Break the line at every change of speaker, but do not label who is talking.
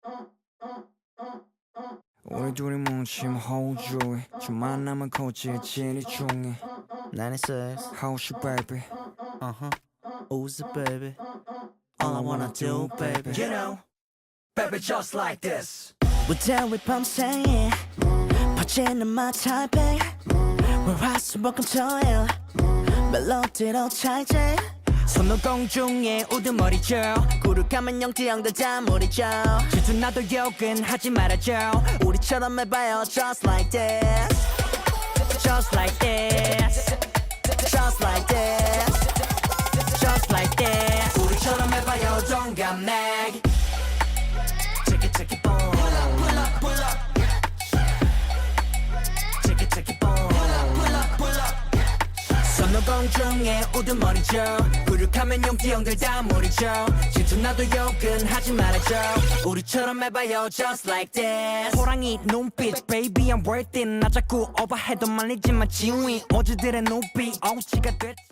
우리 둘이 뭉치면 호주에 좀 만나면 고치에 진이 중에
96
How's your baby?
Who's it baby All I wanna do baby
You know, baby just like this.
무대위 밤새에 퍼지는 my type 월화수목금토일 멜로디로 찰지
손오공 중에 우두머리죠.
구룩하면 영지형들 다 무리죠
질투 나도 욕은 하지 말아줘.
우리처럼 해봐요 just like this
Just like this,
just like this
just like this. 우리처럼 해봐요 동갑내기.
Check it check it boom
Pull up, pull up.
Check it check it boom
pull up. 손오공 중에 우두머리죠. 구룩하면 용띠형들 다 무리죠. 질투 나도 욕은 하지 말아줘. 우리처럼 해봐요 just like this. 호랑이 눈빛 baby I'm worth it. 나 자꾸 오버해도 말리지마 지위. 어제들의 눈빛 어우치가 됐지.